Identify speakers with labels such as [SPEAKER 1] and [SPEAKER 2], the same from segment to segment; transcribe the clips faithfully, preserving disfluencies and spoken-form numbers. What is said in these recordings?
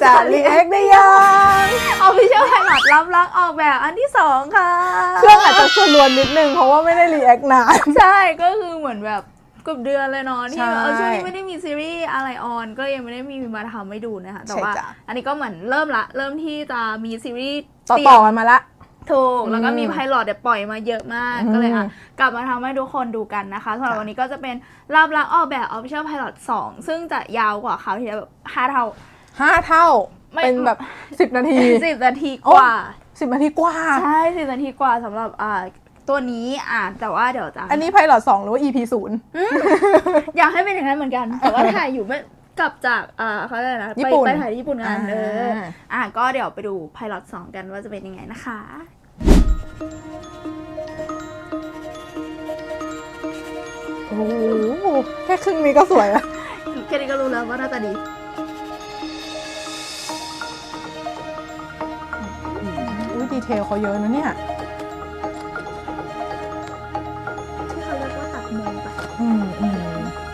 [SPEAKER 1] จะรีแอคได้ยัง
[SPEAKER 2] Official Pilot รับรักออกแบบอันที่สองค่ะ
[SPEAKER 1] เครื่องอาจจะชวนลวนนิดนึงเพราะว่าไม่ได้รีแอคนาน
[SPEAKER 2] ใช่ก็คือเหมือนแบบเกือบเดือนเลยเนาะที่
[SPEAKER 1] ใช่
[SPEAKER 2] เออช่วงนี้ไม่ได้มีซีรีส์อะไรออนก็ยังไม่ได้มีมาทำให้ดูนะคะแต่ว่า
[SPEAKER 1] ใช่จ้ะ
[SPEAKER 2] อันนี้ก็เหมือนเริ่มละเริ่มที่จะมีซีรีส์
[SPEAKER 1] ต่อ
[SPEAKER 2] เตรี
[SPEAKER 1] ต่
[SPEAKER 2] ย
[SPEAKER 1] อ
[SPEAKER 2] ม
[SPEAKER 1] กันมาละ
[SPEAKER 2] ถูกแล้วก็มี
[SPEAKER 1] อืม
[SPEAKER 2] ไพลอตเดี๋ยวปล่อยมาเยอะมาก
[SPEAKER 1] อืม
[SPEAKER 2] ก็เลยอ่ะกลับมาทำให้ทุกคนดูกันนะคะสำหรับ
[SPEAKER 1] ค่ะ
[SPEAKER 2] วันนี้ก็จะเป็นรับรักออกแบบ Official Pilot สองซึ่งจะยาวกว่าคราวที่แล้วแบบห้าเท่า
[SPEAKER 1] ห้าเท่า
[SPEAKER 2] ไม่
[SPEAKER 1] เป็นแบบสิบนาที
[SPEAKER 2] สิบนาทีกว่า
[SPEAKER 1] สิบนาทีกว่า
[SPEAKER 2] ใช่สิบนาทีกว่าสำหรับอ่าตัวนี้อ่านแต่ว่าเดี๋ยวจะ
[SPEAKER 1] อันนี้ไพลอตสองหรือว่า อี พี ศูนย์
[SPEAKER 2] อยากให้เป็นอย่างนั้นเหมือนกัน แต่ว่าถ่ายอยู่ไม่กลับจากอ่าเขาเรียกอะไรนะ
[SPEAKER 1] ญี่
[SPEAKER 2] ไป
[SPEAKER 1] ปุ่น
[SPEAKER 2] ไปถ่ายที่ญี่ปุ่นกันเออ
[SPEAKER 1] อ่า
[SPEAKER 2] อ่ะก็เดี๋ยวไปดูไพลอตสองกันว่าจะเป็นยังไงนะคะ
[SPEAKER 1] โอ้โหแค่ครึ่งนี้ก็สวยแล้ว
[SPEAKER 2] แค่นี้ก็รู้แล้วว่าหน้าตาดี
[SPEAKER 1] อุ้ยดีเทลเขาเยอะนะเนี่ย
[SPEAKER 2] ที่เขาเรียกว่าตัดมุมปะ
[SPEAKER 1] อืมอืม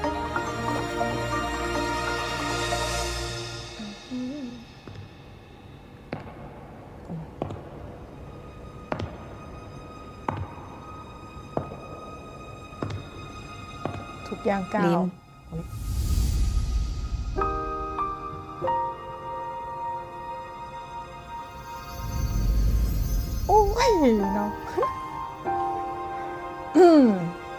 [SPEAKER 1] ทุกอย่างก้า
[SPEAKER 3] ลิ้
[SPEAKER 1] วน โอ้ยเนาะอืม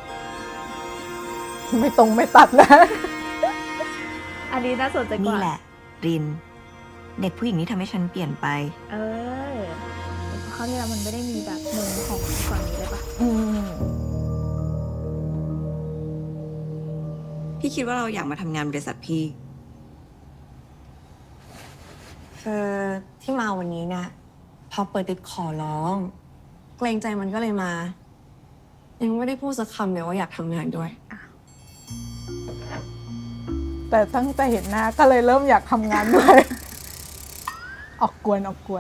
[SPEAKER 1] ไม่ตรงไม่ตัดนะ
[SPEAKER 2] อันนี้น่าสนใจก
[SPEAKER 3] นี่
[SPEAKER 2] ว่า
[SPEAKER 3] แหละ ริน เด็กผู้หญิงที่ทำให้ฉันเปลี่ยนไป
[SPEAKER 2] เออเขาเนี่ยมันไม่ได้มีแบบมุมของฝั่งนี้เลยปะ
[SPEAKER 1] อืม
[SPEAKER 3] พี่คิดว่าเราอยากมาทำงานบริษัทพี่
[SPEAKER 4] คือที่มาวันนี้เนี่ยพอเปิดติดขอร้อง เกรงใจมันก็เลยมา ยังไม่ได้พูดสักคำเลยว่าอยากทำงานด้วย
[SPEAKER 1] แต่ตั้งแต่เห็นหน้าก็เลยเริ่มอยากทำงานด้วย ออกกวนออกกวน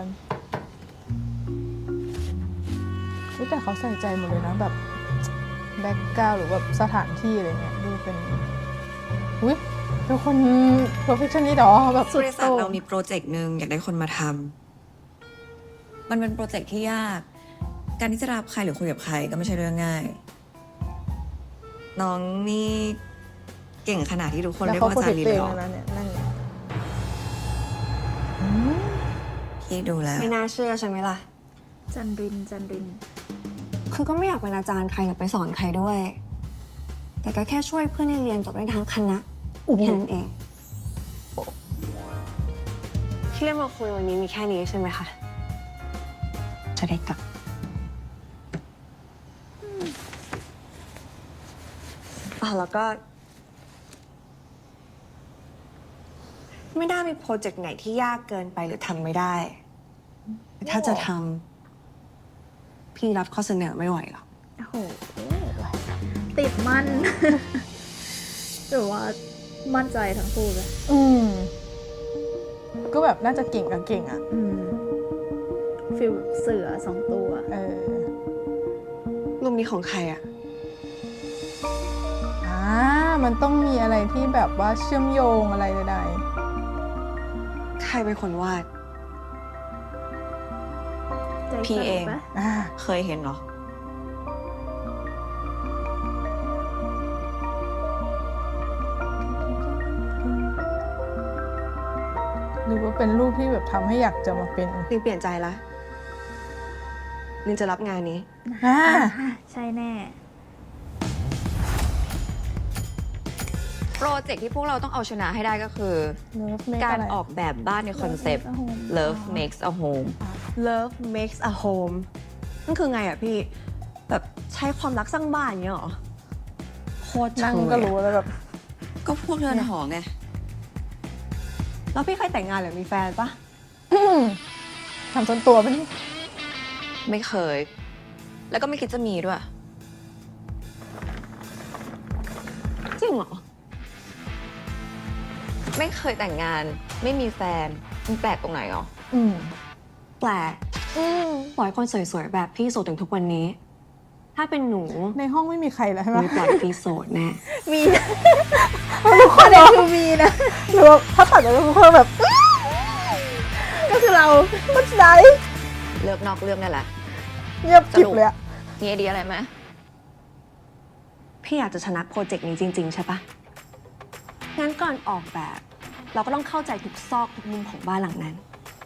[SPEAKER 1] อุ๊ยแต่เขาใส่ใจหมดเลยนะแบบแบ็กกราวด์หรือแบบสถานที่อะไรเงี้ยดูเป็นอุ้ยเป็นคน perfectionist หรอแบบ
[SPEAKER 3] บริษัทเรามีโปรเจกต์หนึ่งอยากได้คนมาทำ มันเป็นโปรเจกต์ที่ยาก การที่จะรับใครหรือคุยกับใครก็ไม่ใช่เรื่องง่าย น้องนี่เก่งขนาดที่ทุกคน
[SPEAKER 1] แล้ว
[SPEAKER 3] เรียก
[SPEAKER 1] เขา
[SPEAKER 3] ว่า
[SPEAKER 1] โปร
[SPEAKER 3] อา
[SPEAKER 1] เจ
[SPEAKER 3] จาก รย์
[SPEAKER 1] ต์
[SPEAKER 3] ลี
[SPEAKER 1] ตัวเอง
[SPEAKER 3] เลยเหรอ
[SPEAKER 1] แล้วนะเนี่ยนั่นไงอืม
[SPEAKER 3] พี่ดูแล้ว
[SPEAKER 4] ไม่น่าเชื่อใช่ไหมล่ะ
[SPEAKER 2] จันรินจันริน
[SPEAKER 4] คือก็ไม่อยากเป็นอาจารย์ใครหรือไปสอนใครด้วย แต่ก็แค่ช่วยเพื่อนให้เรียนจบได้ทั้งคณะแค่นั้นเอง ที่เรียกมาคุยวันนี้มีแค่นี้ใช่ไหมคะ จะได้กลับอ๋อแล้วก็ ไม่ได้มีโปรเจกต์ไหนที่ยากเกินไปหรือทำไม่ได้แต่ถ้าจะทำพี่รับข้อเสนอไม่ไหวหรอก
[SPEAKER 2] โอ้โหติดมัน หรือว่ามั่นใจทั้งคู่เลย
[SPEAKER 1] อืมก็แบบน่าจะเก่งกับเก่งอ่ะ
[SPEAKER 2] อืมฟิลเสือสองตัว
[SPEAKER 1] เออ
[SPEAKER 4] รูปนี้ของใครอะ
[SPEAKER 1] อ่ามันต้องมีอะไรที่แบบว่าเชื่อมโยงอะไรใด
[SPEAKER 4] ใครเป็นคนวาด
[SPEAKER 2] ใจ
[SPEAKER 3] พี่
[SPEAKER 2] สั่น
[SPEAKER 3] เอง
[SPEAKER 2] ปะ
[SPEAKER 1] ๆอ่า
[SPEAKER 3] เคยเห็นเหรอ
[SPEAKER 1] หรือว่าเป็นรูปที่แบบทำให้อยากจะมาเป็น
[SPEAKER 4] ลินเปลี่ยนใจละลินจะรับงานนี้
[SPEAKER 1] อ่า
[SPEAKER 2] อ่ะใช่แน่
[SPEAKER 5] โปรเจกต์ที่พวกเราต้องเอาชนะให้ได้ก็คือ
[SPEAKER 1] Love Make
[SPEAKER 5] การ
[SPEAKER 1] อะไร
[SPEAKER 5] ออกแบบบ้านในคอนเซปต์ Love makes a home
[SPEAKER 4] Love makes a home นั่นคือไงอะพี่ แบบใช้ความรักสร้างบ้านอย่างเงี้ยเหรอ โคตร
[SPEAKER 1] นั่ง
[SPEAKER 4] เชย
[SPEAKER 1] ก็รู้แล้วแบบ
[SPEAKER 3] ก็พวกเรือนหอไง
[SPEAKER 4] แล้วพี่เคยแต่งงานหรือมีแฟนปะ
[SPEAKER 1] ทำจนตัวเป็น
[SPEAKER 5] ไม่เคย แล้วก็ไม่คิดจะมีด้วย
[SPEAKER 4] จริงเหรอ
[SPEAKER 5] ไม่เคยแต่งงาน ไม่มีแฟน มันแปลกตรงไหนอ๋อ
[SPEAKER 1] อืม
[SPEAKER 4] แปลกปล่อยคนสวยๆ แบบพี่โสดถึงทุกวันนี้ ถ้าเป็นหนู
[SPEAKER 1] ในห้องไม่มีใครแล้วใช่ไหม
[SPEAKER 4] ไม่ปล่อยพี่โสดแน่
[SPEAKER 2] มีนะทุกคนเลยคือมีนะ
[SPEAKER 1] หรือว่าถ้าตัดจากทุกคนแบบ
[SPEAKER 2] คือเรา
[SPEAKER 1] มันไหน
[SPEAKER 5] เลิกนอกเรื่องได้ละ
[SPEAKER 1] เงียบกริบเลยอะ
[SPEAKER 5] มีไอเดียอะไรไหม
[SPEAKER 4] พี่อยากจะชนะโปรเจกต์นี้จริง ๆ ใช่ปะงั้นก่อนออกแบบ เราก็ต้องเข้าใจทุกซอกทุกมุมของบ้านหลังนั้น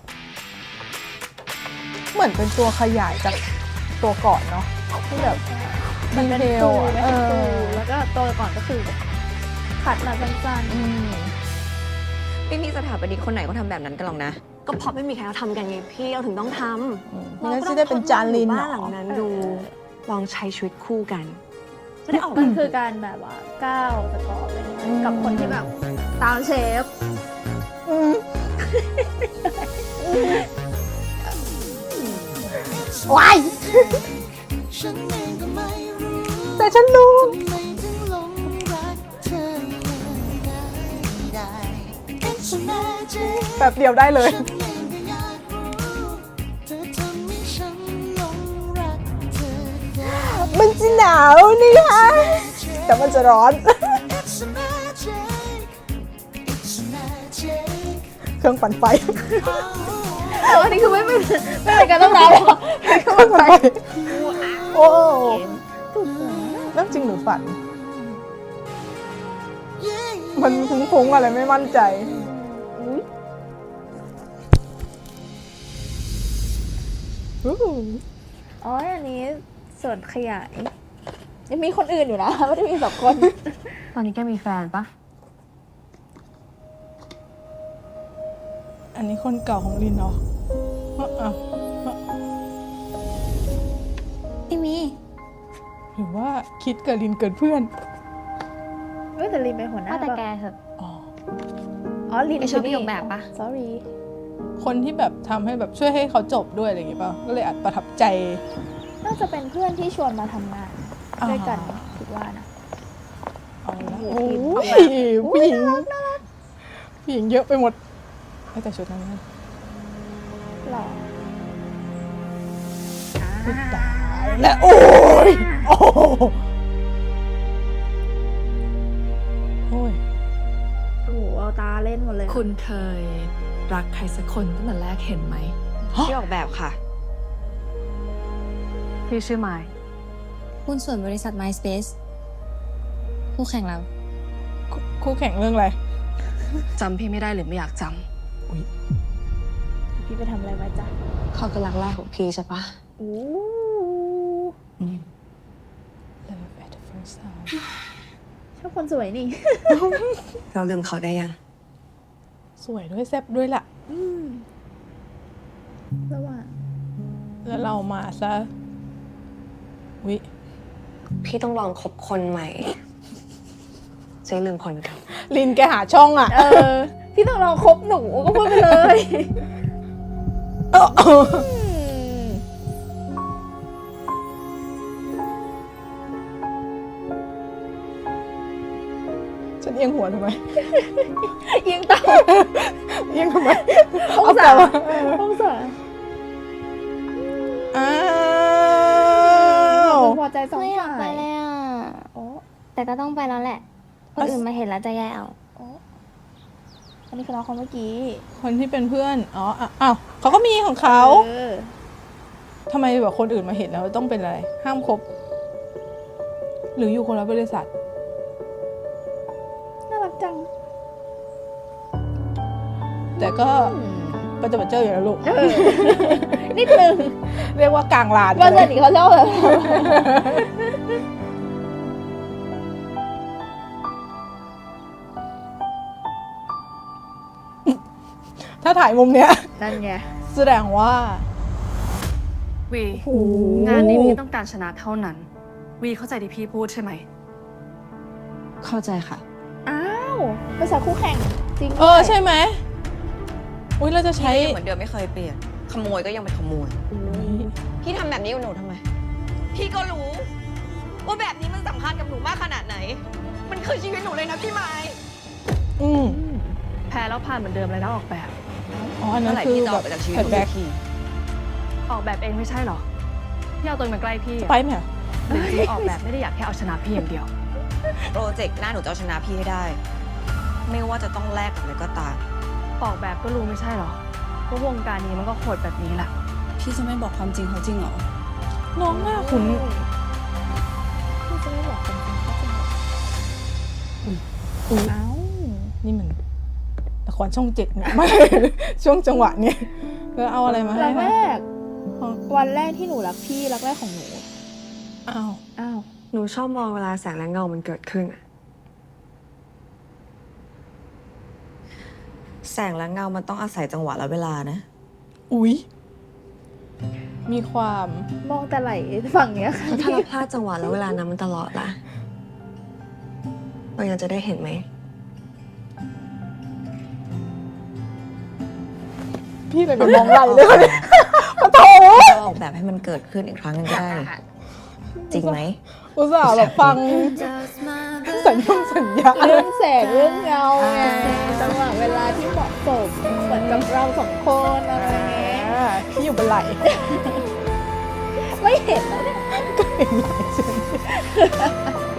[SPEAKER 1] เหมือนเป็นตัวขยายจากตัวก่อนเนาะที่แบบ
[SPEAKER 2] มันเป็น
[SPEAKER 1] ดีเทล
[SPEAKER 2] ฟู
[SPEAKER 1] อะ
[SPEAKER 2] ไม่
[SPEAKER 1] เอ
[SPEAKER 2] เป็นฟู
[SPEAKER 1] อ
[SPEAKER 2] แล้วก็ตัวก่อนก็คือแบบขัดมาสั้น
[SPEAKER 1] อืม
[SPEAKER 5] ไม่มีสถาปนิกคนไหนเขาทำแบบนั้นกันหรอกนะ
[SPEAKER 4] ก็เพราะไม่มีใครเขาทำกันไงพี่เราถึงต้องท
[SPEAKER 1] อืม
[SPEAKER 4] ำ
[SPEAKER 1] งั้นจะได้เป็นจานลิน
[SPEAKER 4] บ้า
[SPEAKER 1] เหร
[SPEAKER 4] นหลั
[SPEAKER 1] อ
[SPEAKER 4] งนั้นดู ลองใช้ชีวิตคู่กันจะได้ออก
[SPEAKER 2] ๆมันคือการแบบว่าก้าวสกอร์อะไรเงี้ยกับคนที่แบบตามเชฟ
[SPEAKER 1] อืมว้ายแต่ฉันรู้ แบบเดียวได้เลย มันจะหนาวนี่ฮะแต่มันจะร้อน เครื่องปั่นไฟ
[SPEAKER 2] แต่ว่านี่คือไม่เป็นไม่เป็นการต้องรับหรอก
[SPEAKER 1] เครื่องปั่นไฟ โอ้เรื่องจริงหรือฝัน มันฟุ้งๆอะไรไม่มั่นใจ อู้หู
[SPEAKER 2] อ๋ออันนี้ส่วนขยายยังมีคนอื่นอยู่นะไม่ได้มีสองคน
[SPEAKER 4] ตอนนี้แกมีแฟนปะ
[SPEAKER 1] อันนี้คนเก่าของลินเนาะอ้าว
[SPEAKER 6] ไม่มี
[SPEAKER 1] หรือว่าคิดกับลินเกินเพื่อน
[SPEAKER 2] เฮ้ยแต่ลินเป็นหัวหน้า
[SPEAKER 6] ว่าแต่
[SPEAKER 2] ปะ
[SPEAKER 6] แกเถอะ
[SPEAKER 1] อ๋อ
[SPEAKER 2] อ๋อลิน
[SPEAKER 6] ไอ้ชอบประโยคแบบปะ
[SPEAKER 2] sorry
[SPEAKER 1] คนที่แบบทำให้แบบช่วยให้เขาจบด้วยอะไรอย่างงี้ป่ะ ก็เลยอาจประทับใจ
[SPEAKER 2] น่าจะเป็นเพื่อนที่ชวนมาทำงาน
[SPEAKER 1] อ่า
[SPEAKER 2] ด้วยกันคิดว่านะ
[SPEAKER 1] เอาละ
[SPEAKER 2] โอ้
[SPEAKER 1] โอ้
[SPEAKER 2] โห
[SPEAKER 1] ยผู้หญิงผู้หญิงเยอะไปหมดไม่แต่ชุดนั้นนะ
[SPEAKER 2] หล่อ
[SPEAKER 1] ตายและโอ้ยโอ้โหโอ้ย
[SPEAKER 2] โอ้โหเอาตาเล่นหมดเลยอะ
[SPEAKER 7] คุณเคยรักใครสักคนตั้งแต่แรกเห็นไหม
[SPEAKER 5] ที่ออกแบบค่ะ
[SPEAKER 4] พี่ชื่อไมค์
[SPEAKER 6] หุ้นส่วนบริษัท MySpace คู่แข่งเรา
[SPEAKER 1] คู่คู่แข่งเรื่องอะไร
[SPEAKER 4] จำพี่ไม่ได้หรือไม่อยากจ
[SPEAKER 2] พี่ไปทำอะไรมาจ๊ะ
[SPEAKER 4] ำเขาคือรักแรกของพี่ใช่ปะ
[SPEAKER 2] อู้
[SPEAKER 1] Love at first sight
[SPEAKER 2] ชอบคนสวยนี่
[SPEAKER 4] เราลืมเขาได้ยัง
[SPEAKER 1] สวยด้วยแซ่บด้วยล่ะ
[SPEAKER 2] อืมระหว่าง
[SPEAKER 1] แล้วเรามาซะวิ
[SPEAKER 4] พี่ต้องลองคบคนใหม่จะได้ลืมคนเก่า
[SPEAKER 1] ลินแกหาช่องอ่ะ
[SPEAKER 2] เออ พี่ต้องลองคบหนูก็พูดไปเลย
[SPEAKER 1] เออ
[SPEAKER 2] อืม
[SPEAKER 1] ฉันเอียงหัวทำไม
[SPEAKER 2] ยิงตาม
[SPEAKER 1] เอียงทำไม
[SPEAKER 2] องศา
[SPEAKER 1] เอ
[SPEAKER 2] องศา
[SPEAKER 1] อ้าว
[SPEAKER 2] พอใจสอง
[SPEAKER 6] ไม่อยาก
[SPEAKER 2] ฝ่า
[SPEAKER 6] ไป
[SPEAKER 2] ย
[SPEAKER 6] เลยอ่ะ
[SPEAKER 2] โอ้
[SPEAKER 6] แต่ก็ต้องไปแล้วแหละ คนอื่นมาเห็นแล้วจะแย่เอา
[SPEAKER 2] โอ้อันนี้คือน้องคนเมื่อกี้
[SPEAKER 1] คนที่เป็นเพื่อน อ๋ออ่ะอ้าวเขาก็มีของเขา
[SPEAKER 2] เออ
[SPEAKER 1] ทำไมแบบคนอื่นมาเห็นแล้วต้องเป็นอะไร ห้ามคบ หรืออยู่คนละบริษัท
[SPEAKER 2] น่ารักจัง
[SPEAKER 1] แต่ก็ประจบประเจออยู่แล้วลูก
[SPEAKER 2] เออ นิดนึง
[SPEAKER 1] เรียกว่ากลางลาน
[SPEAKER 2] ว่า
[SPEAKER 1] ไป
[SPEAKER 2] เพื่
[SPEAKER 1] เล
[SPEAKER 2] อน
[SPEAKER 1] ย
[SPEAKER 2] อีกเขาชอบแบบ
[SPEAKER 1] ถ้าถ่ายมุมเนี้ย
[SPEAKER 2] นั่นไง
[SPEAKER 1] แสดงว่า
[SPEAKER 7] วี
[SPEAKER 1] โอ้โห
[SPEAKER 7] งานนี้พี่ต้องการชนะเท่านั้น วีเข้าใจที่พี่พูดใช่ไหม
[SPEAKER 4] เข้าใจค่ะ
[SPEAKER 2] อ้าวภาษาคู่แข่งจริง
[SPEAKER 1] เออ
[SPEAKER 2] ด้วย
[SPEAKER 1] ใช่ไหมอุ้ยเราจะใช้
[SPEAKER 5] พี่ก็ยังเหมือนเดิมไม่เคยเปลี่ยน ขโมยก็ยังเป็นขโมย
[SPEAKER 1] อุ๊ย
[SPEAKER 5] พี่ทำแบบนี้กับหนูทำไม พี่ก็รู้ ว่าแบบนี้มันสำคัญกับหนูมากขนาดไหน มันคือชีวิตหนูเลยนะพี่ไม้
[SPEAKER 1] อืม
[SPEAKER 7] แพ้แล้วผ่านเหมือนเดิมเลยนะออกแบบ
[SPEAKER 1] อ๋ออันนั้
[SPEAKER 5] เมื่
[SPEAKER 1] น
[SPEAKER 5] อไหร่
[SPEAKER 1] คือ
[SPEAKER 5] พี่จะ
[SPEAKER 1] แบ
[SPEAKER 5] ออบ กไปจากชีวิต
[SPEAKER 1] แผ่
[SPEAKER 5] ห
[SPEAKER 1] น
[SPEAKER 5] นู
[SPEAKER 1] แบ็
[SPEAKER 5] สั
[SPEAKER 1] ค
[SPEAKER 5] กที
[SPEAKER 7] ออกแบบเองไม่ใช่เหรอที่เอาตัวเองมาใกล้พี่
[SPEAKER 1] ไป
[SPEAKER 7] อะ
[SPEAKER 1] ไหมอะ
[SPEAKER 7] หรือที่ออกแบบไม่ได้อยากแค่เอาชนะพี่อย่างเดียว
[SPEAKER 5] โปรเจกต์หน้าหนูจะเอาชนะพี่ให้ได้ ไม่ว่าจะต้องแลกกับอะไรก็ตาม
[SPEAKER 7] ออกแบบก็รู้ไม่ใช่เหรอพวกวงการนี้มันก็โหดแบบนี้แหละ
[SPEAKER 8] พี่จะไม่บอกความจริงเขาจริงเหรอ
[SPEAKER 1] น้องหน้าขุน
[SPEAKER 2] พี่จะไม่บอกความจริงเขาจริงเหรอ
[SPEAKER 1] อุ๊ย
[SPEAKER 2] เอ้า
[SPEAKER 1] นี่มันละครช่องเจ็ดเนี่ย ไม่ ช่วงจังหวะเนี่ยก็เอาอะไรมาให้
[SPEAKER 2] รัก
[SPEAKER 1] คะ
[SPEAKER 2] แรกวันแรกที่หนูรักพี่รักแรกของหนู
[SPEAKER 1] อ้าว
[SPEAKER 2] อ้าว
[SPEAKER 4] หนูชอบมองเวลาแสงและเงามันเกิดขึ้นอะ
[SPEAKER 3] แสงและเงามันต้องอาศัยจังหวะและเวลานะ
[SPEAKER 1] อุ๊ย มีความ
[SPEAKER 2] มองแต่ไหลฝั่งเนี้ยค่ะ
[SPEAKER 4] แล้วถ้าเราพลาดจังหวะและเวลานั้นมันตลอดล่ะเรายังจะได้เห็นไหม
[SPEAKER 1] พี่เลยไปมองไหลเลยคนนี้ปะโถ
[SPEAKER 3] เราออกแบบให้มันเกิดขึ้นอีกครั้งหนึงก็ได้นี่จริงไหม
[SPEAKER 1] อุตส่าห์แบบฟังสัญญาสัญญา
[SPEAKER 2] เรื่องแสงเรื่องเงาไงจังหวะเวลาที่เหมาะสมเหมือนกับเราสองคนอะไรเงี้ย
[SPEAKER 1] อ่าพี่อยู่บนไหล
[SPEAKER 2] ไม่เห็นแล้วเนี่ย
[SPEAKER 1] ก็เห็นไหลใช่ไหม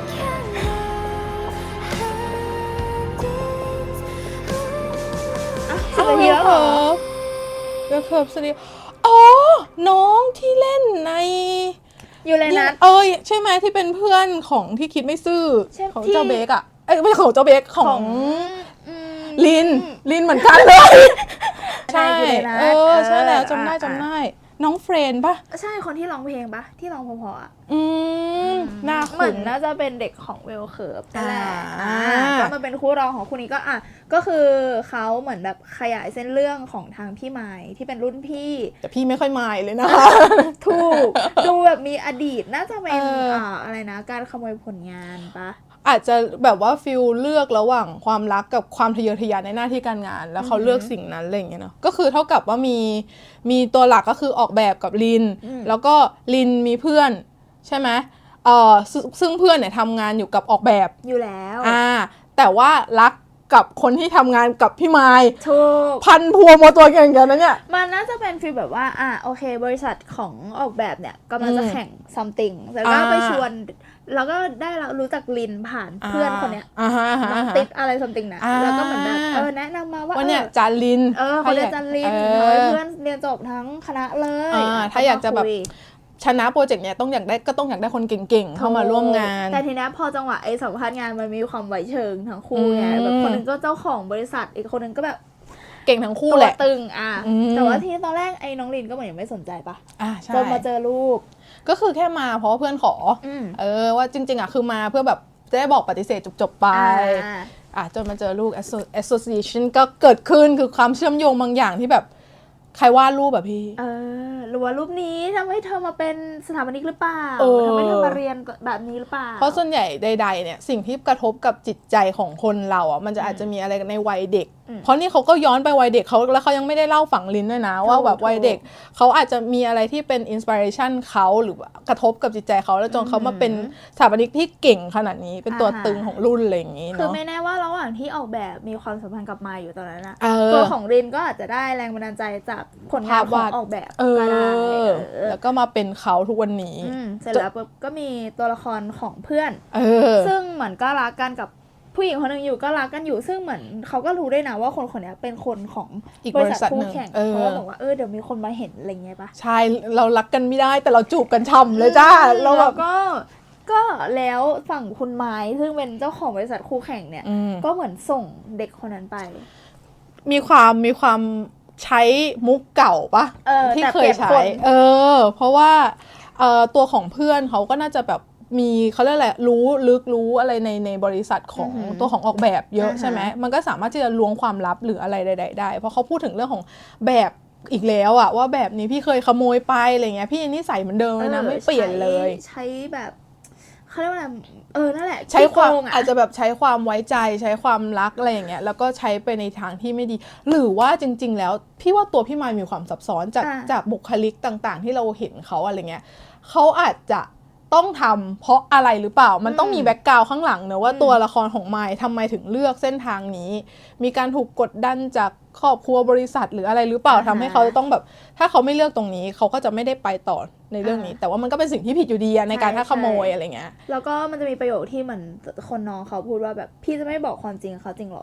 [SPEAKER 2] อ่ะสิบนาทีแล้วเหรอ
[SPEAKER 1] เลิฟเคิร์ฟสวัสดีอ๋อ น้องที่เล่นใน
[SPEAKER 2] อยู่เลยนะ
[SPEAKER 1] เอ้ยใช่ไหมที่เป็นเพื่อนของที่คิดไม่ซื่อ
[SPEAKER 2] ใช่
[SPEAKER 1] ของ
[SPEAKER 2] ที่
[SPEAKER 1] เจ้าเบคอะเอ้ยไม่ใช่ของเจ้าเบคของ
[SPEAKER 2] อืม
[SPEAKER 1] ลิน ลินเหมือนกันเลย ใช่
[SPEAKER 2] อยู่ในนั้น
[SPEAKER 1] เออใช่แล้ว
[SPEAKER 2] เออ
[SPEAKER 1] จำได้
[SPEAKER 2] อ่ะ
[SPEAKER 1] จำได้ น้องเฟรนปะ
[SPEAKER 2] ใช่คนที่ร้องเพลงปะที่ร้องเพอๆอ่ะ
[SPEAKER 1] อืมหน้า
[SPEAKER 2] เหมื
[SPEAKER 1] ขุ
[SPEAKER 2] อน
[SPEAKER 1] น
[SPEAKER 2] น่าจะเป็นเด็กของเวลเคิร์ฟนั่นแหละ
[SPEAKER 1] อ่า
[SPEAKER 2] อ่าก็มาเป็นคู่รองของคู่นี้ก็อ่ะก็คือเขาเหมือนแบบขยายเส้นเรื่องของทางพี่ไม้ที่เป็นรุ่นพี่
[SPEAKER 1] แต่พี่ไม่ค่อยมายเลยนะ
[SPEAKER 2] ถูกดูแบบมีอดีตน่าจะเป็น
[SPEAKER 1] เอออ่
[SPEAKER 2] อ่าอะไรนะ การขโมยผลงานปะ
[SPEAKER 1] อาจจะแบบว่าฟิลเลือกระหว่างความรักกับความทะเยอทะยานในหน้าที่การงาน แล้วเขาเลือกสิ่งนั้นอะไรอย่างเงี้ยเนาะก็คือเท่ากับว่ามีมีตัวหลักก็คือออกแบบกับลิน แล้วก็ลินมีเพื่อนใช่ไหมเอ่อซึ่งซึ่งเพื่อนเนี่ยทำงานอยู่กับออกแบบ
[SPEAKER 2] อยู่แล้ว
[SPEAKER 1] อ่าแต่ว่ารักกับคนที่ทำงานกับพี่ไม้
[SPEAKER 2] ถูก
[SPEAKER 1] พันพัวมาตัวอย่างเงี้ยนะเนี่ย
[SPEAKER 2] มันน่าจะเป็นฟีลแบบว่าอ่ะโอเค บริษัทของออกแบบเนี่ยกำลังจะ
[SPEAKER 1] อืม
[SPEAKER 2] แข่ง something แล้วก็
[SPEAKER 1] อ่า
[SPEAKER 2] ไปชวน แล้วก็ได้รู้จักลินผ่านเพื่อนคนเนี้ย
[SPEAKER 1] อ่าฮะอ่าฮะ
[SPEAKER 2] น้อง
[SPEAKER 1] อ่าฮะ
[SPEAKER 2] ติดอะไร something นะ
[SPEAKER 1] อ่า
[SPEAKER 2] แล้วก็เหมือนแบบเออแนะนำมาว่า
[SPEAKER 1] ว่าเนี่ย
[SPEAKER 2] เออ
[SPEAKER 1] จาริน
[SPEAKER 2] เออเขาเรียนจันลิน
[SPEAKER 1] เอ
[SPEAKER 2] เขาเป็น
[SPEAKER 1] อ
[SPEAKER 2] เพื่อนเรียนจบทั้งคณะเลย
[SPEAKER 1] อ่า
[SPEAKER 2] อ่ะ
[SPEAKER 1] ถ้าอยากจะแบบ
[SPEAKER 2] คุย
[SPEAKER 1] ชนะโปรเจกต์เนี่ยต้องอยากได้ก็ต้องอยากได้คนเก่งๆ เข้ามาร่วมงาน
[SPEAKER 2] แต่ทีนี้พอจังหวะไอ้สัมภาษณ์งานมันมีความไวเชิงทั้งคู่ไง
[SPEAKER 1] อืม
[SPEAKER 2] แบบคนหนึงก็เจ้าของบริษัทอีกคนหนึงก็แบบ
[SPEAKER 1] เก่งทั้งคู่
[SPEAKER 2] ตัว
[SPEAKER 1] แหละ
[SPEAKER 2] ตึงอ่ะ
[SPEAKER 1] อืม
[SPEAKER 2] แต่ว่าที่ตอนแรกไอ้น้องลินก็เหมือนยังไม่สนใจปะ
[SPEAKER 1] อ่าใช่
[SPEAKER 2] จนมาเจอรูป
[SPEAKER 1] ก็คือแค่มาเพราะว่าเพื่อนขออ
[SPEAKER 2] อืม
[SPEAKER 1] เออว่าจริงๆอ่ะคือมาเพื่อแบบจะได้บอกปฏิเสธจบๆไป
[SPEAKER 2] อ่า
[SPEAKER 1] อ่ะจนมาเจอลูก asso- association ก็เกิดขึ้นคือความเชื่อมโยงบางอย่างที่แบบใครวาดรูปแบบพี่
[SPEAKER 2] เออหรือว่ารูปนี้ทำให้เธอมาเป็นสถาปนิกหรือเปล่า
[SPEAKER 1] เออ
[SPEAKER 2] ทำให้เธอมาเรียนแบบนี้หรือเปล่า
[SPEAKER 1] เพราะส่วนใหญ่ใดๆเนี่ยสิ่งที่กระทบกับจิตใจของคนเราอ่ะมันจะอาจจะมีอะไรในวัยเด็ก
[SPEAKER 2] อืม
[SPEAKER 1] เพราะนี่เขาก็ย้อนไปวัยเด็กเขาแล้วเขายังไม่ได้เล่าฝังลิ้นด้วยนะ ว่าแบบวัยเด็กเขาอาจจะมีอะไรที่เป็นอินสปิเรชันเขาหรือว่ากระทบกับจิตใจเขาแล้วจนเขามาเป็นสถาปนิกที่เก่งขนาดนี้เป็นตัวตึงของรุ่นอะไรอย่างนี้
[SPEAKER 2] คือ
[SPEAKER 1] เนาะ
[SPEAKER 2] ไม่แน่ว่าระหว่างที่ออกแบบมีความสัมพันธ์กับมายอยู่ตอนนั้นนะ
[SPEAKER 1] เออ
[SPEAKER 2] ตัวของรินก็อาจจะได้แรงบันดาลใจจากผลงาน
[SPEAKER 1] ภาพ
[SPEAKER 2] ขอ
[SPEAKER 1] วาง ด
[SPEAKER 2] ออกแบบ
[SPEAKER 1] เอ
[SPEAKER 2] ก็ได้
[SPEAKER 1] อ
[SPEAKER 2] เออ
[SPEAKER 1] แล้วก็มาเป็นเขาทุกวันนี้
[SPEAKER 2] อืมเสร็จแล้วปุ๊บก็มีตัวละครของเพื่อน
[SPEAKER 1] เออ
[SPEAKER 2] ซึ่งเหมือนก็รักกันกับผู้หญิงคนหนึ่งอยู่ก็รักกันอยู่ ซึ่งเหมือนเขาก็รู้ด้วยนะว่าคนคนนี้เป็นคนของ
[SPEAKER 1] อีก
[SPEAKER 2] บบ ริ
[SPEAKER 1] ริ
[SPEAKER 2] ษั
[SPEAKER 1] ษั
[SPEAKER 2] ท
[SPEAKER 1] ท
[SPEAKER 2] คู่
[SPEAKER 1] หนึ่ง
[SPEAKER 2] แข่ง
[SPEAKER 1] เออ
[SPEAKER 2] เพราะว่าบอกว่าเออเดี๋ยวมีคนมาเห็นอะไรเงี้ยปะ
[SPEAKER 1] ใช่เรารักกันไม่ได้แต่เราจูบกันช่ำเลยจ้าเราแบ
[SPEAKER 2] แล้
[SPEAKER 1] บ
[SPEAKER 2] วก็ก็แล้วฝั่งคุณไม้ซึ่งเป็นเจ้าของบริษัทคู่แข่งเนี่ย
[SPEAKER 1] อืม
[SPEAKER 2] ก็เหมือนส่งเด็กคนนั้นไป
[SPEAKER 1] มีความมีความใช้มุกเก่าปะ
[SPEAKER 2] เออ
[SPEAKER 1] ที่
[SPEAKER 2] แต่
[SPEAKER 1] เค
[SPEAKER 2] เปลี่
[SPEAKER 1] ย
[SPEAKER 2] ยน
[SPEAKER 1] ใช้
[SPEAKER 2] คน
[SPEAKER 1] เออ เพราะว่าเอ่อตัวของเพื่อนเขาก็น่าจะแบบมีเขาเรียกอะไรรู้ลึกรู้อะไรในในบริษัทของ
[SPEAKER 2] อือหือ
[SPEAKER 1] ตัวของออกแบบเยอะ
[SPEAKER 2] อ่าฮะ
[SPEAKER 1] ใช่ไหมมันก็สามารถที่จะล้วงความลับหรืออะไรใดๆได้ เพราะเขาพูดถึงเรื่องของแบบอีกแล้วอะว่าแบบนี้พี่เคยขโมยไปอะไรเงี้ยพี่นิสัยเหมือนเดิมเลยนะไม่เปลี่ยนเลย
[SPEAKER 2] ใช้ใช้แบบเขาเรียกว่าอะไรเออนั่นแหละ
[SPEAKER 1] ใช้ความ
[SPEAKER 2] ขี้โกงะ
[SPEAKER 1] อาจจะแบบใช้ความไว้ใจใช้ความรักอะไรอย่างเงี้ยแล้วก็ใช้ไปในทางที่ไม่ดี หรือว่าจริง ๆ แล้วพี่ว่าตัวพี่มายมีความซับซ้อนจาก
[SPEAKER 2] อ่า
[SPEAKER 1] จากบุคลิกต่างๆ ที่เราเห็นเขาอะไรเงี้ยเขาอาจจะต้องทำเพราะอะไรหรือเปล่า มันต้องมีแบ็กกราวด์ข้างหลังเนอะว่าตัวละครของมายทำไมถึงเลือกเส้นทางนี้ มีการถูกกดดันจากครอบครัวบริษัทหรืออะไรหรือเปล่าทำให้เขาต้องแบบถ้าเขาไม่เลือกตรงนี้เขาก็จะไม่ได้ไปต่อในเรื่องนี้ แต่ว่ามันก็เป็นสิ่งที่ผิดอยู่ดีอะในการถ้าขโมยอะไรเงี้ย
[SPEAKER 2] แล้วก็มันจะมีประโยคที่เหมือนคนน้องเขาพูดว่าแบบพี่จะไม่บอกความจริงเขาจริงเหรอ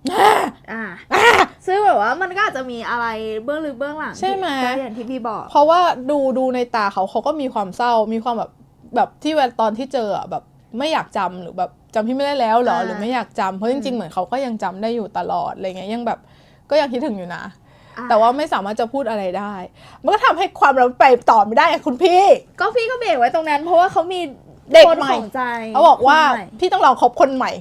[SPEAKER 2] อ่าซึ่งแบบว่ามันก็อาจจะมีอะไรเบื้องลึกเบื้องหลัง
[SPEAKER 1] ใช่ไหม
[SPEAKER 2] ที่อย่างที่พี่บอก
[SPEAKER 1] เพราะว่าดูดูในตาเขาเขาก็มีความเศร้ามีความแบบแบบที่เวลาตอนที่เจออะแบบไม่อยากจำหรือแบบจำพี่ไม่ได้แล้วเหรอ
[SPEAKER 2] อ่า
[SPEAKER 1] หรือไม่อยากจำเพราะจริงๆเหมือนเขาก็ยังจำได้อยู่ตลอดอะไรเงี้ยยังแบบก็ยังคิดถึงอยู่นะ
[SPEAKER 2] อ่ะ
[SPEAKER 1] แต่ว่าไม่สามารถจะพูดอะไรได้ มันก็ทำให้ความเราไปต่อไม่ได้อะคุณพี่
[SPEAKER 2] ก็พี่ก็เบรกไว้ตรงนั้น เพราะว่าเขามี
[SPEAKER 1] เด็ก
[SPEAKER 2] คน
[SPEAKER 1] ใหม่
[SPEAKER 2] ของใจ
[SPEAKER 1] เขาบอกว่า
[SPEAKER 2] คนใหม่
[SPEAKER 1] พี่ต้องลองคบคนใหม่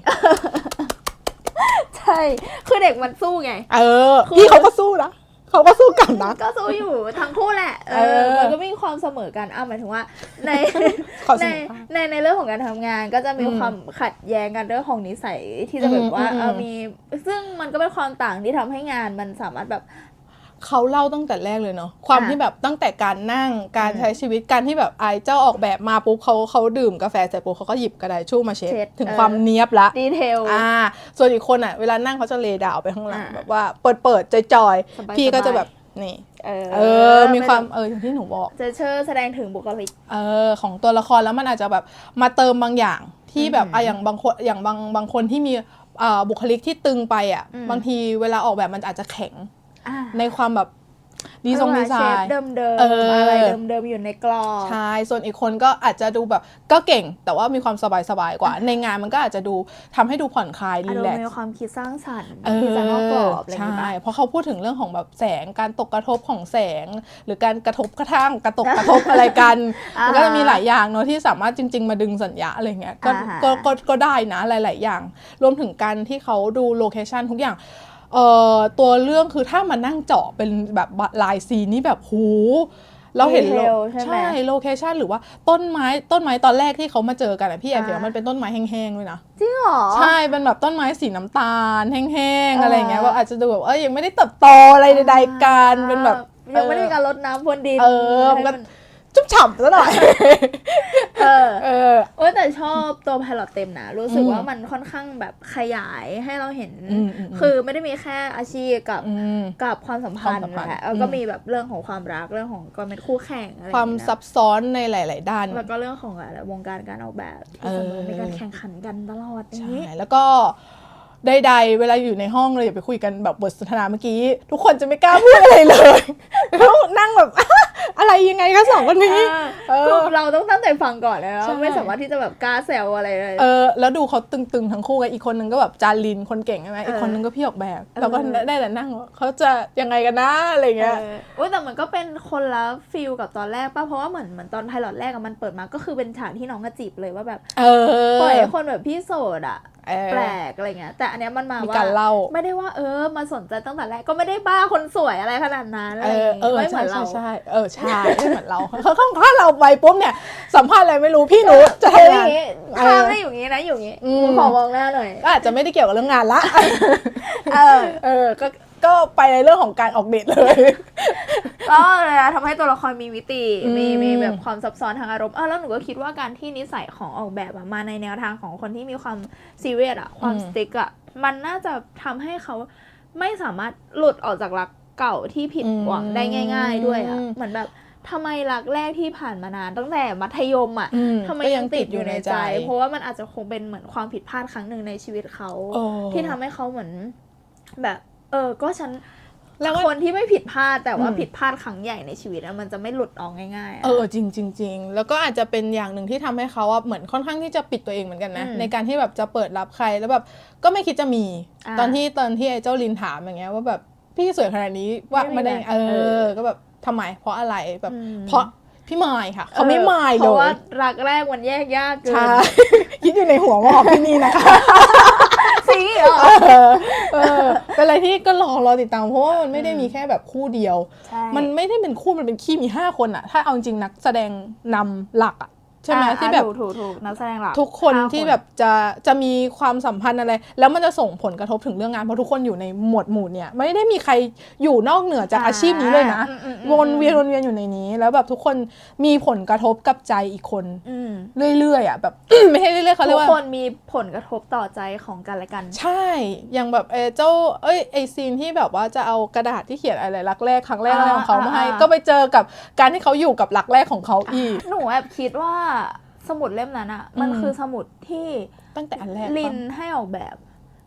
[SPEAKER 2] ใช่คือเด็กมันสู้ไง
[SPEAKER 1] เออ
[SPEAKER 2] คือ
[SPEAKER 1] พี่เขาก็สู้นะเขาก็สู้กลันนะ
[SPEAKER 2] ก็สู้อยู่ทั้งคู่แหละเอ
[SPEAKER 1] เอ
[SPEAKER 2] อ
[SPEAKER 1] อ
[SPEAKER 2] มันก็มีความเสมอกันอ่ะหมายถึงว่าใน
[SPEAKER 1] ขอเส
[SPEAKER 2] ใน
[SPEAKER 1] มอภาค
[SPEAKER 2] ในในเรื่องของการทำงานก็จะมี
[SPEAKER 1] อืม
[SPEAKER 2] ความขัดแย้งกันเรื่องของนิสัยที่จะแบบว่า
[SPEAKER 1] อืมอืม
[SPEAKER 2] เออมีซึ่งมันก็เป็นความต่างที่ทำให้งานมันสามารถแบบ
[SPEAKER 1] เขาเล่าตั้งแต่แรกเลยเนาะความ
[SPEAKER 2] อ่ะ
[SPEAKER 1] ที่แบบตั้งแต่การนั่งการ
[SPEAKER 2] อืม
[SPEAKER 1] ใช้ชีวิตการที่แบบไอ้เจ้าออกแบบมาปุ๊บเขาเขาดื่มกาแฟเสร็จปุ๊บเขาก็หยิบกระดาษชู่มาเช็ด
[SPEAKER 2] เช็ด
[SPEAKER 1] ถึง
[SPEAKER 2] เออ
[SPEAKER 1] ความเนียบละ
[SPEAKER 2] ดีเทล
[SPEAKER 1] อ่าส่วนอีกคนอ่ะเวลานั่งเขาจะเลดาวไปข้างหลัง
[SPEAKER 2] อ่า
[SPEAKER 1] แบบว่าเปิดเปิดจอยจอย
[SPEAKER 2] สบายๆ
[SPEAKER 1] พี่ก็จะแบบนี่
[SPEAKER 2] เออ
[SPEAKER 1] เออมีความเอออย่างที่หนูบอก
[SPEAKER 2] จะเชิดแสดงถึงบุคลิก
[SPEAKER 1] เออของตัวละครแล้วมันอาจจะแบบมาเติมบางอย่างที่แบบ
[SPEAKER 2] อืม
[SPEAKER 1] อ่ะอย่างบางคนอย่างบางบางคนที่มีอ่าบุคลิกที่ตึงไปอ่ะ
[SPEAKER 2] อืม
[SPEAKER 1] บางทีเวลาออกแบบมันอาจจะแข็ง
[SPEAKER 2] อ่ะ
[SPEAKER 1] ในความแบบดีทรงดีไซ
[SPEAKER 2] เชฟ
[SPEAKER 1] น์
[SPEAKER 2] เดิมเดิม
[SPEAKER 1] เอออ
[SPEAKER 2] อะไรเดิมเดิมๆอยู่ในกรอบ
[SPEAKER 1] ใช่ ส่วนอีกคนก็อาจจะดูแบบก็เก่ง แต่ว่ามีความสบายสบายๆกว่า ในงานมันก็อาจจะดูทำให้ดูผ่อนคลาย
[SPEAKER 2] อา
[SPEAKER 1] รี
[SPEAKER 2] รม
[SPEAKER 1] แล
[SPEAKER 2] ณ์
[SPEAKER 1] ก
[SPEAKER 2] มี
[SPEAKER 1] ซ์
[SPEAKER 2] ความคิดสร้างสรรค์
[SPEAKER 1] เอ
[SPEAKER 2] คิดสร้างนอกกรอ
[SPEAKER 1] อบ
[SPEAKER 2] อะไรอย่าง
[SPEAKER 1] ใช่
[SPEAKER 2] เงี้ย
[SPEAKER 1] เพราะเขาพูดถึงเรื่องของแบบแสงการตกกระทบของแสง หรือการกระทบกระทั่งกระตกกระทบอะไรกัน
[SPEAKER 2] อ่ามั
[SPEAKER 1] มันก็จะมีหลายอย่างเนอะที่สามารถจริง ๆ มาดึงสัญญาอะไรเงี้ยก็
[SPEAKER 2] อ่าฮะ
[SPEAKER 1] ก็ก็ก็ได้นะหลาย ๆ อย่าง รวมถึงการที่เขาดูโลเคชันทุกอย่างเอ่อตัวเรื่องคือถ้ามานั่งเจาะเป็นแบบลายซีนนี่แบบหูเราเห็นโล
[SPEAKER 2] Detail ใช่ไหม
[SPEAKER 1] ใช่โลเคชันหรือว่าต้นไม้ต้นไม้ตอนแรกที่เขามาเจอกันอะพี่แอบ
[SPEAKER 2] อ่า
[SPEAKER 1] เห็นว่ามันเป็นต้นไม้แห้งๆด้วยนะ
[SPEAKER 2] จริงเหรอ
[SPEAKER 1] ใช่เป็นแบบต้นไม้สีน้ำตาลแห้งๆ
[SPEAKER 2] อ่า
[SPEAKER 1] อะไรอย่างเงี้ยว่าอาจจะดูแบบเอ้ยยังไม่ได้เติบโตอะไรใดๆกันเป็นแบบ
[SPEAKER 2] ยังไม่ได้มีการรดน้ำพรวนดิน
[SPEAKER 1] เออมันก็จุ๊บฉ่ำซะหน่อย
[SPEAKER 2] เออ
[SPEAKER 1] เออ
[SPEAKER 2] โอ้ยแต่ชอบตัวไพลอตเต็มนะ รู้สึก
[SPEAKER 1] อืม
[SPEAKER 2] ว่ามันค่อนข้างแบบขยายให้เราเห็น
[SPEAKER 1] อืมอืมอืม
[SPEAKER 2] คือไม่ได้มีแค่อาชีพกับ
[SPEAKER 1] อืม
[SPEAKER 2] กับความสัมพันธ์
[SPEAKER 1] ความสัมพันธ์
[SPEAKER 2] แหละเออ
[SPEAKER 1] อืม
[SPEAKER 2] ก็มีแบบเรื่องของความรักเรื่องของการเป็นคู่แข่งอะไรอย่
[SPEAKER 1] ความ
[SPEAKER 2] งเงี้ย
[SPEAKER 1] ซับซ้อนในหลาย ๆ ด้าน
[SPEAKER 2] แล้วก็เรื่องของอะไรวงการการออกแบบที่เสมอ
[SPEAKER 1] เออ
[SPEAKER 2] มีการแข่งขันกันตลอดอย่าง
[SPEAKER 1] ใช่
[SPEAKER 2] นี้
[SPEAKER 1] แล้วก็ใดๆเวลาอยู่ในห้องเลยอย่าไปคุยกันแบบบทสนทนาเมื่อกี้ ทุกคนจะไม่กล้าพูดอะไรเลยแล้วนั่งแบบ อะไรยังไงคะสองคนนี้ เออ
[SPEAKER 2] คือเราต้องตั้งใจฟังก่อนเลยแล้ว
[SPEAKER 1] ใช่
[SPEAKER 2] ไม่สามารถที่จะแบบกล้าแซวอะไรเลย
[SPEAKER 1] เออแล้วดูเขาตึงๆทั้งคู่ไงอีกคนนึงก็แบบจารินคนเก่งใช่ไหมอีกคนนึงก็พี่ออกแบบ
[SPEAKER 2] เออ
[SPEAKER 1] เราก็ได้แต่นั่งว่าเขาจะยังไงกันนะอะไรเงี้ย
[SPEAKER 2] เออโอ้ยแต่มันก็เป็นคนละฟิลกับตอนแรกป่ะ เพราะว่าเหมือนเหมือนตอนไพลอตแรกอะมันเปิดมาก็คือเป็นฉากที่น้องกระจีบเลยว่าแบบ
[SPEAKER 1] เออ
[SPEAKER 2] ปล่อยให้คนแบบพี่โสดอะ
[SPEAKER 1] เออ
[SPEAKER 2] แปลกอะไรเงี้ย แต่อันเนี้ยมันมา
[SPEAKER 1] มี
[SPEAKER 2] ว่า
[SPEAKER 1] การเล่า
[SPEAKER 2] ไม่ได้ว่าเออมาสนใจตั้งแต่แรกก็ไม่ได้บ้าคนสวยอะไรขนาดนั้นอะไร
[SPEAKER 1] เอ
[SPEAKER 2] อ
[SPEAKER 1] อย่าง เอ
[SPEAKER 2] งี้
[SPEAKER 1] อ
[SPEAKER 2] ไม่เหมื
[SPEAKER 1] ใช่
[SPEAKER 2] อน
[SPEAKER 1] ใช่
[SPEAKER 2] เรา
[SPEAKER 1] ใช่เออใช่ไม่เหมือนเราเขาเขาถ้าเราไปปุ๊บเนี่ยสัมภาษณ์อะไรไม่รู้พี่หนูจะ
[SPEAKER 2] เฮ้ย
[SPEAKER 1] ทำงาน
[SPEAKER 2] ข้ามได้อยู่งี้นะอยู่งี้
[SPEAKER 1] อืม
[SPEAKER 2] ขอมองหน้าหน่อย
[SPEAKER 1] ก็อาจจะไม่ได้เกี่ยวกับเรื่องงานละ
[SPEAKER 2] เออ
[SPEAKER 1] เออก็ก็ไปในเรื่องของการออกเดทเลย
[SPEAKER 2] ก็เลยนะทำให้ตัวละครมีมิติ
[SPEAKER 1] อืม
[SPEAKER 2] มีมีแบบความซับซ้อนทางอารมณ์เออแล้วหนูก็คิดว่าการที่นิสัยของออกแบบอะมาในแนวทางของคนที่มีความซีเรียสอะความสติ๊กอะมันน่าจะทำให้เขาไม่สามารถหลุดออกจากรักเก่าที่ผิดหวังได้ง่าย ๆ ด้วยอะเหมือนแบบทำไมรักแรกที่ผ่านมานานตั้งแต่มัธยมอะ
[SPEAKER 1] อืม
[SPEAKER 2] ทำไม
[SPEAKER 1] ก็
[SPEAKER 2] ยังติดอยู่ในใจ เพราะว่ามันอาจจะคงเป็นเหมือนความผิดพลาดครั้งหนึ่งในชีวิตเขา
[SPEAKER 1] โอ้
[SPEAKER 2] ที่ทำให้เขาเหมือนแบบ เออก็ฉัน
[SPEAKER 1] แล้วว่า
[SPEAKER 2] คนที่ไม่ผิดพลาดแต่ว่า
[SPEAKER 1] อืม
[SPEAKER 2] ผิดพลาดครั้งใหญ่ในชีวิตอะมันจะไม่หลุดออกง่ายๆอะ
[SPEAKER 1] เออจริงจริงจริงแล้วก็อาจจะเป็นอย่างหนึ่งที่ทำให้เขาอะเหมือนค่อนข้างที่จะปิดตัวเองเหมือนกันนะ
[SPEAKER 2] อืม
[SPEAKER 1] ในการที่แบบจะเปิดรับใครแล้วแบบก็ไม่คิดจะมี
[SPEAKER 2] อ่า
[SPEAKER 1] ตอนที่ตอนที่ไอ้เจ้าลินถามอย่างเงี้ยว่าแบบพี่สวยขนาดนี้ว่า
[SPEAKER 2] ไม่มี
[SPEAKER 1] ไม่ได้
[SPEAKER 2] ไหม
[SPEAKER 1] เอ
[SPEAKER 2] เอ
[SPEAKER 1] อ
[SPEAKER 2] อ
[SPEAKER 1] ก็แบบทำไมเพราะอะไรแบบ
[SPEAKER 2] อืม
[SPEAKER 1] เพราะพี่มายค่ะเขาไม่มาย
[SPEAKER 2] เพ
[SPEAKER 1] เล
[SPEAKER 2] ราะว่าย รักแรกมันแยกยากเกิน
[SPEAKER 1] ใช่ คิดอยู่ในหัวว่าของพี่นี่นะคะ
[SPEAKER 2] สีเหรอ
[SPEAKER 1] เออเออเป็นอะไรที่ก็รอรอติดตามเพราะว่ามันไม่ได้มีแค่แบบคู่เดียว
[SPEAKER 2] ใช่
[SPEAKER 1] มันไม่ได้เป็นคู่มันเป็นขี้มีห้าคนอะถ้าเอาจริงนักแสดงนำหลักอะใช่ไหม
[SPEAKER 2] อ่ะ
[SPEAKER 1] ที่แบบ
[SPEAKER 2] ถูกถูกถูกนักแสดงหลัก
[SPEAKER 1] ทุกคน
[SPEAKER 2] ห้า
[SPEAKER 1] ที่แบบจะจะมีความสัมพันธ์อะไร แล้วมันจะส่งผลกระทบถึงเรื่องงานเพราะทุกคนอยู่ในหมวดหมู่เนี่ยไม่ได้มีใครอยู่นอกเหนือจากอาชีพนี้เลยนะ
[SPEAKER 2] อืมอืมอืม
[SPEAKER 1] วนเวียนวนเวียนอยู่ในนี้ แล้วแบบทุกคนมีผลกระทบกับใจอีกคน
[SPEAKER 2] อืม
[SPEAKER 1] เรื่อยๆอ่ะแบบ ไม่ใช่เรื่อยๆเขาเรี
[SPEAKER 2] ทุ
[SPEAKER 1] ย
[SPEAKER 2] ก
[SPEAKER 1] กว่า
[SPEAKER 2] คนมีผลกระทบต่อใจของกันและกัน
[SPEAKER 1] ใช่ อย่างแบบเออเจ้า เอ้ย ไอซีนที่แบบว่าจะเอากระดาษที่เขียนอะไรรักแรกครั้งแรกอะไรของเขามาให้
[SPEAKER 2] อ่า
[SPEAKER 1] ก็ไปเจอกับการที่เขาอยู่กับรักแรกของเขาอีก
[SPEAKER 2] หนูแอบคิดว่าสมุดเล่มนั้นอะมัน
[SPEAKER 1] อืม
[SPEAKER 2] คือสมุดที่
[SPEAKER 1] ตั้งแต่อันแรก
[SPEAKER 2] ลิน
[SPEAKER 1] ปะ
[SPEAKER 2] ให้ออกแบบ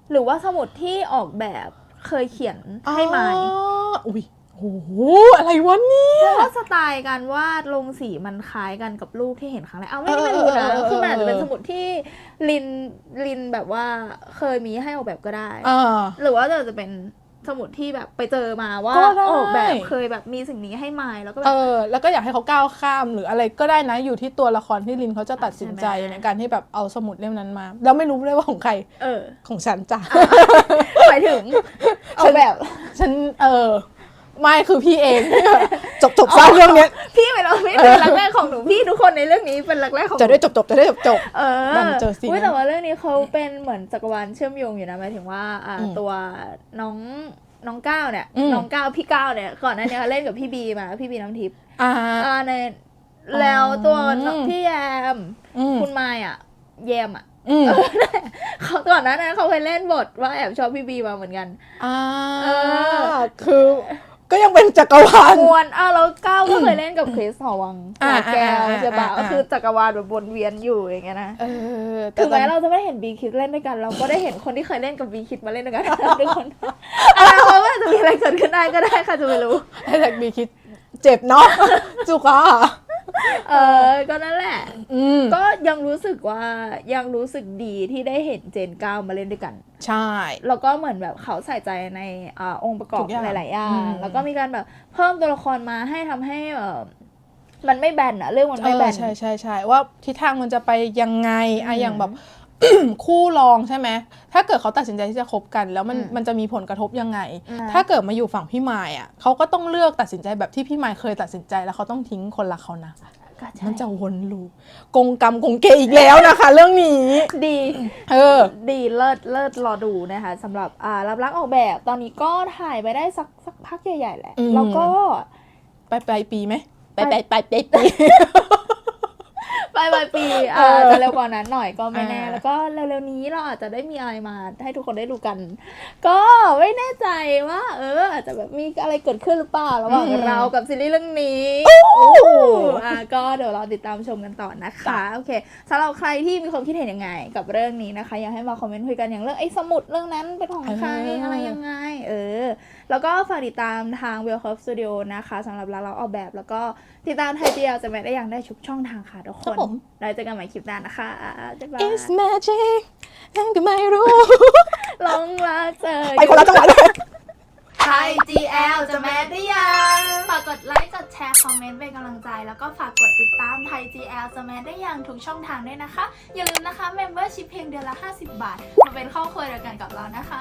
[SPEAKER 2] หรือว่าสมุดที่ออกแบบเคยเขียนให้ไมค์
[SPEAKER 1] อ๋ออุ้ยโอ้โหอะไรวะเนี่ย
[SPEAKER 2] เพราะว่าสไตล์การวาดลงสีมันคล้ายกันกับรูปที่เห็นครั้งแรกเอาไม่ไม่รู้นะ
[SPEAKER 1] เออเออเออ
[SPEAKER 2] คือมันอาจจะเป็นสมุดที่ลินลินแบบว่าเคยมีให้ออกแบบก็ได้
[SPEAKER 1] อ่า
[SPEAKER 2] หรือว่าจะเป็นสมุดที่แบบไปเจอมาว่า
[SPEAKER 1] ก็ได้
[SPEAKER 2] ออกแบบเคยแบบมีสิ่งนี้ให้ไมค์แล้วก็แบ
[SPEAKER 1] เอบ อแล้วก็อยากให้เขาก้าวข้ามหรืออะไรก็ได้นะอยู่ที่ตัวละครที่ลินเขาจะตัดสินใจ
[SPEAKER 2] ใช่ไหม
[SPEAKER 1] ในการที่แบบเอาสมุดเล่มนั้นมาแล้วไม่รู้เลยว่าของใคร
[SPEAKER 2] เออ
[SPEAKER 1] ของฉันจ้ะ
[SPEAKER 2] หมายถึงออกแบบ
[SPEAKER 1] ฉันเออไม่คือพี่เอง ที่แบบจบจบสร้างเรื่องเนี้ย
[SPEAKER 2] พี่ไม่เราไม่เป็นรักแรกของหนูพี่ทุกคนในเรื่องนี้เป็นรักแรกของหนู
[SPEAKER 1] จะได้จบจบจะได้จบจบ
[SPEAKER 2] เออ
[SPEAKER 1] ดันเจอซีน
[SPEAKER 2] ยแต่ว่าเรื่องนี้เขาเป็นเหมือนจักรวาลเชื่อมโยงอยู่นะหมายถึงว่าอ่า
[SPEAKER 1] อืม
[SPEAKER 2] ตัวน้องน้องก้าวเนี่ย
[SPEAKER 1] อืม
[SPEAKER 2] น้องก้าวพี่ก้าวเนี่ยก่อนหน้านี้เขาเล่นกับพี่บีมาพี่บีน้ำทิพย์
[SPEAKER 1] อ่า
[SPEAKER 2] อ่าในแล้วตัวน้อง
[SPEAKER 1] อืม
[SPEAKER 2] พี่แยม
[SPEAKER 1] อืม
[SPEAKER 2] คุณมายอ่ะแยมอ่ะ
[SPEAKER 1] อืม
[SPEAKER 2] เขาก่อนหน้านั้นเขาเคยเล่นบทว่าแอบชอบพี่บีมาเหมือนกัน
[SPEAKER 1] อ่า
[SPEAKER 2] เออ
[SPEAKER 1] คือก็ยังเป็นจักรวาล
[SPEAKER 2] มวนอ้าวแล้วก้าวก็เคยเล่นกับคริสหอวัง
[SPEAKER 1] อ่า
[SPEAKER 2] หลายแก้ว
[SPEAKER 1] อ่า
[SPEAKER 2] ใช่ปะ
[SPEAKER 1] อ่า
[SPEAKER 2] ก็คือจักรวาลแบบวนเวียนอยู่อย่างเงี้ยนะ
[SPEAKER 1] เออ
[SPEAKER 2] ถึงแม้
[SPEAKER 1] ตอน
[SPEAKER 2] เราจะไม่เห็นบีคิดเล่นด้วยกัน เราก็ได้เห็นคนที่เคยเล่นกับบีคิดมาเล่นด้วยกัน ทุกคนอะไรเพราะว่าจะมีอะไรเกิดขึ้นได้ก็ได้ค่ะจะไม่รู้
[SPEAKER 1] ให้แท็กบีคิดเจ็บเนาะ จุกอ่ะ
[SPEAKER 2] เออก็นั่นแหละ
[SPEAKER 1] อืม
[SPEAKER 2] ก็ยังรู้สึกว่ายังรู้สึกดีที่ได้เห็นเจนก้าวมาเล่นด้วยกัน
[SPEAKER 1] ใช่
[SPEAKER 2] แล้วก็เหมือนแบบเขาใส่ใจในอาองค์ประกอบ
[SPEAKER 1] ทุกอย่าง
[SPEAKER 2] หลาย ๆ อย่า
[SPEAKER 1] อื
[SPEAKER 2] ง
[SPEAKER 1] ม
[SPEAKER 2] แล้วก็มีการแบบเพิ่มตัวละครมาให้ทำให้เออมันไม่แบนอะเรื่องมันไม่แบน
[SPEAKER 1] เออใช่ใช่ใช่ว่าทิศทางมันจะไปยังไงอะ
[SPEAKER 2] อืม
[SPEAKER 1] อย่างแบบ คู่รองใช่ไหมถ้าเกิดเขาตัดสินใจที่จะคบกัน แล้วมัน
[SPEAKER 2] อืม
[SPEAKER 1] มันจะมีผลกระทบยังไง
[SPEAKER 2] อืม
[SPEAKER 1] ถ้าเกิดมาอยู่ฝั่งพี่มายอ่ะเขาก็ต้องเลือกตัดสินใจแบบที่พี่มายเคยตัดสินใจแล้วเขาต้องทิ้งคนรักเขานะ
[SPEAKER 2] ก็ใช่
[SPEAKER 1] มันจะวนลูปกงกรรมกงเกอีกแล้วนะคะ เรื่องนี้
[SPEAKER 2] ดี
[SPEAKER 1] เออ
[SPEAKER 2] ดีเลิศเลิศรอดูนะคะสำหรับอ่ารับรักออกแบบตอนนี้ก็ถ่ายไปได้สักสักพักใหญ่ ๆ แหละ
[SPEAKER 1] อืม
[SPEAKER 2] แล้วก็
[SPEAKER 1] ไปปลายปีไหมไป
[SPEAKER 2] ไป
[SPEAKER 1] ไปไปไปปี
[SPEAKER 2] ปลายปลายปี
[SPEAKER 1] เอ
[SPEAKER 2] อ่า
[SPEAKER 1] อ
[SPEAKER 2] จะเร็วกว่านั้นหน่อยก็ไม่แน่
[SPEAKER 1] อ่า
[SPEAKER 2] แล้วก็เร็วๆนี้เราอาจจะได้มีอะไรมาให้ทุกคนได้ดูกัน ก็ไม่แน่ใจว่า เออ อาจจะแบบมีอะไรเกิดขึ้นหรือเปล่าระหว่างเรากับซีรีส์เรื่องนี้อ่าก็เดี๋ยวเราติดตามชมกันต่อนะคะโอเคสำหรับใครที่มีความคิดเห็นยังไง กับเรื่องนี้นะคะอยากให้มาคอมเมนต์คุยกันอย่างเรื่องไอ้สมุดเรื่องนั้นเป็นของใคร
[SPEAKER 1] เอออ
[SPEAKER 2] อะไรยังไง เออ แล้วก็ฝากติดตามทาง Well Curve Studio นะคะสำหรับเราเราออกแบบแล้วก็ติดตามไทยเดียวจะไม่ได้ยังได้ทุกช่องทางค่ะทุกค
[SPEAKER 1] ครั
[SPEAKER 2] น
[SPEAKER 1] บผม
[SPEAKER 2] เราเจอกันใหม่คลิปหน้านะคะบ๊ายบาย
[SPEAKER 1] It's magic ยังก็ไม่รู้
[SPEAKER 2] ลงรักเจอ
[SPEAKER 1] ไปคนละจังหวัดเลย
[SPEAKER 2] ไทย จี แอล จะแมสได้ยัง ฝากกดไลค์ กดแชร์ คอมเมนต์เป็นกำลังใจ แล้วก็ฝากกดติดตามไทย จี แอล จะแมสได้ยังทุกช่องทางด้วยนะคะ อย่าลืมนะคะ Membership เพียงเดือนละ ห้าสิบบาท มาเป็นครอบครัวเดียวกันกับเรานะคะ